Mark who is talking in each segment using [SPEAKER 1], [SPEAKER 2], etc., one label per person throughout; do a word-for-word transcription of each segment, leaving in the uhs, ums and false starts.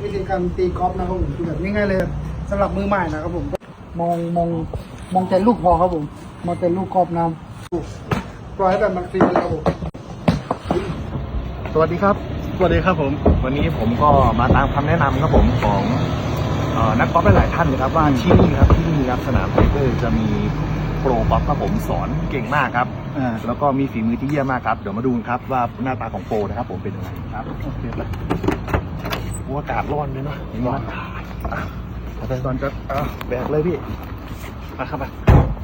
[SPEAKER 1] วิธีการตีกอล์ฟนะครับผมคือแบบง่ายๆเลยสำหรับมือใหม่นะครับผมมองมองมองแต่ลูกพอครับผมมองแต่ลูกกอล์ฟน้ำปล่อยให้แบบมันฟรีเลยครับผม
[SPEAKER 2] สวัสดีครับสวัสดีครับผมวันนี้ผมก็มาตามคำแนะนำครับผมของนักกอล์ฟหลายท่านเลยครับว่าที่นี่ครับที่นี่ครับสนามไทเกอร์จะมีโปรกอล์ฟครับผมสอนเก่งมากครับแล้วก็มีฝีมือที่เยี่ยมมากครับเดี๋ยวมาดูครับว่าหน้าตาของโปรนะครับผมเป็นยังไงครับโอเคเลยอากาศร้อนเลยเนาะร้อนแต่ตอนจะแบกเลยพี่มาครับมา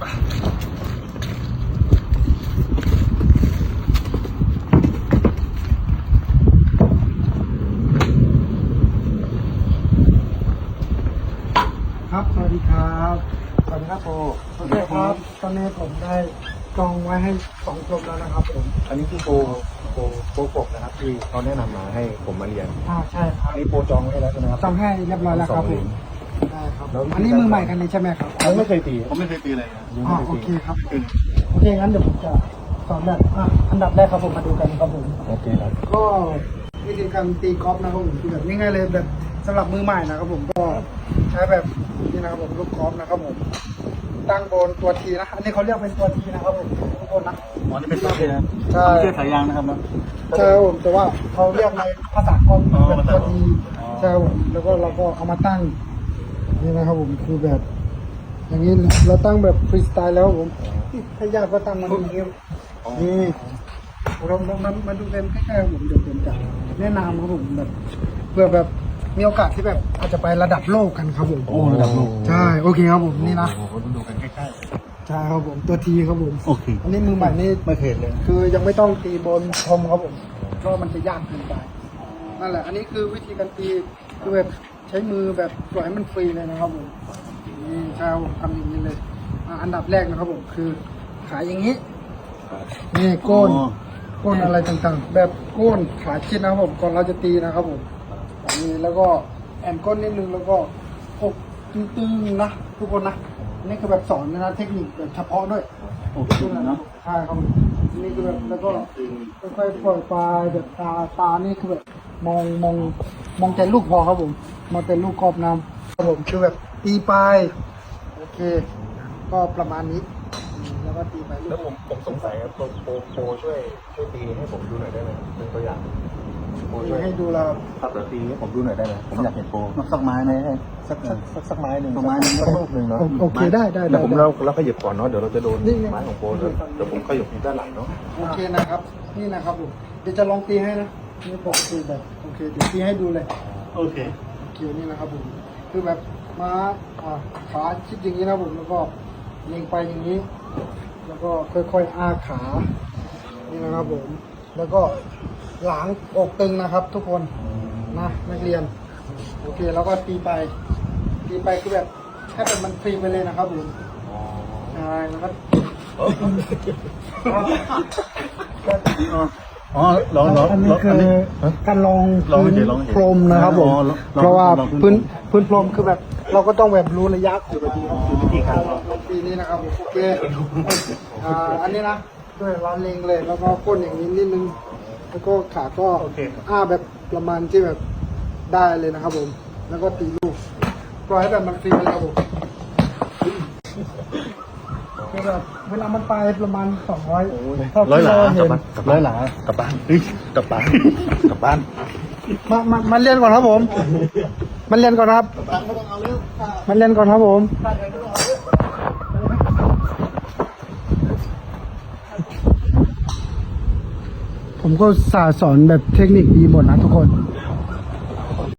[SPEAKER 1] ครับสวัสดีครับสวัสดีครับโปโอเคครับตอนนี้ผมได้จองไว้ให้สองกลุ่มแล้วนะครับผม
[SPEAKER 2] อันนี้คือโปรโปรโปรกบนะครับที่เขาแนะนำมาให้ผมมาเรียน
[SPEAKER 1] อ่าใช่ครับ
[SPEAKER 2] อันนี้โปรจองไว้แล้วใช่ไหมครับ
[SPEAKER 1] จองให้เรียบร้อยแล้วครับผมได้ครับอันนี้มือใหม่กันเลยใช่ไหมครับ
[SPEAKER 2] ผมไม่เคยตีผมไม่เคยตีเลย
[SPEAKER 1] อ๋อโอเคครับโอเคงั้นเดี๋ยวผมจะสอนแบบอ่ะอันดับแรกครับผมมาดูกันครับผม
[SPEAKER 2] โอเคครับ
[SPEAKER 1] ก็วิธีการตีกอล์ฟนะครับผมคือแบบง่ายๆเลยแบบสำหรับมือใหม่นะครับผมก็ใช้แบบนี่นะครับผมลูกกอล์ฟนะครับผมตั้งบนตัวทีนะอันนี้เขาเรียกเป็นตัวทีนะครับผมทุกคนนะ
[SPEAKER 2] อ๋อนี่เป็นตัวทีนะ
[SPEAKER 1] ใช่
[SPEAKER 2] ไม่ใช่สายยางนะครับนะ
[SPEAKER 1] ใช่ผมแต่ว่าเขาเรียกในภาษากอล์ฟเป็นตัวทีใช่ผมแล้วก็เราก็เอามาตั้งนี่นะครับผมคือแบบอย่างนี้เราตั้งแบบฟรีสไตล์แล้วผมถ้ายากก็ตั้งมันอย่างนี้นี่เราลองมามาดูกันใกล้ๆผมเดี๋ยวผมจะแนะนำครับผมแบบเพื่อแบบมีโอกาสที่แบบอาจจะไประดับโลกกันครับผม
[SPEAKER 2] โอ้ระดับโลก
[SPEAKER 1] ใช่โอเคครับผมนี่นะ
[SPEAKER 2] โอ้โหดูกันใกล้ๆ
[SPEAKER 1] ใช่ครับผมตัวทีครับผม
[SPEAKER 2] โอเค
[SPEAKER 1] อันนี้มือใหม่นี่
[SPEAKER 2] ไม่เคยเลย
[SPEAKER 1] คือยังไม่ต้องตีบนพรมครับผมเพราะมันจะยากเกินไปนั่นแหละอันนี้คือวิธีการตีคือแบบใช้มือแบบปล่อยให้มันฟรีเลยนะครับผมนี่ใช่ผมทำอย่างนี้เลยอันดับแรกนะครับผมคือขายอย่างนี้นี่ก้นก้นอะไรต่างๆแบบก้นขาชิดนะครับผมก่อนเราจะตีนะครับผมนี่แล้วก็แอนก้นนิดนึงแล้วก็อกตึงๆนะทุกคนนะนี่คือแบบสอนนะเทคนิคแบบเฉพาะด้วย
[SPEAKER 2] โอเคเนาะ
[SPEAKER 1] ใช่ครับนี่คือแบบแล้วก็ค่อยๆปล่อยปลายแบบตาตานี่คือแบบมองมองมองแต่ลูกพอครับผมมองแต่ลูกกรอบน้ำครับผมคือแบบตีปลายโอเคก็ประมาณนี้แล้วก็ตีไป
[SPEAKER 2] แล้วผมผมสงสัยครับโปรโปรโปรช่วยช่วยตีให้ผมดูหน่อยได้ไหมเป็นตัวอย่าง
[SPEAKER 1] โปรช่วยให้ดูเรา
[SPEAKER 2] ขับแล้วตีให้ผมดูหน่อยได้ไหมผมอยากเห็นโปรสักไม้ไหมสักสักสักสักไม้หนึ่งสักไม้หนึ่งสักลูกหนึ่งเนาะ
[SPEAKER 1] โอเคได้ได้
[SPEAKER 2] เดี๋ยวผมเราเราขยับก่อนเนาะเดี๋ยวเราจะโดนไม้ของโปรเดี๋ยวผมขยับด้านหลังเนาะ
[SPEAKER 1] โอเคนะครับนี่นะครับผมเดี๋ยวจะลองตีให้นะนี่ปกติแบบโอเคเดี๋ยวตีให้ดูเลย
[SPEAKER 2] โอเค
[SPEAKER 1] โอเคนี่นะครับผมคือแบบม้าขาชิดอย่างนี้นะผมแล้วก็เล็งไปอย่างนี้แล้วก็ค่อยๆอ้าขานี่นะครับผมแล้วก็หลังอกตึงนะครับ ทุกคนนะนักเรียนโอเคแล้วก็ตีไปตีไปคือแบบให้แบบมันฟรีไปเลยนะครับผมใช่แล้วก็
[SPEAKER 2] อ๋อลองลอง
[SPEAKER 1] อันนี้คือการลองพื้นพรมนะครับผมเพราะว่าพื้นพื้นพรมคือแบบเราก็ต้องแบบรู้ระยะของวิธีการลองปีนี้นะครับโอเคอ่าอันนี้นะด้วยเราเล็งเลยแล้วก็ก้นอย่างนี้นิดนึงแล้วก็ขาก็อ้าแบบประมาณที่แบบได้เลยนะครับผมแล้วก็ตีลูกปล่อยให้แบบมันฟรีไปแล้วผมคือแบบเวลามันไปประมาณสองร้อย
[SPEAKER 2] ร้อยหลากลับบ้านร้อยหลากลับบ้านกลับบ้านกลับบ้าน
[SPEAKER 1] มามามาเรียนก่อนครับผมมันเรียนก่อนครับมันเรียนก่อนครับผมผมก็สาสอนแบบเทคนิคดีหมดนะทุกคน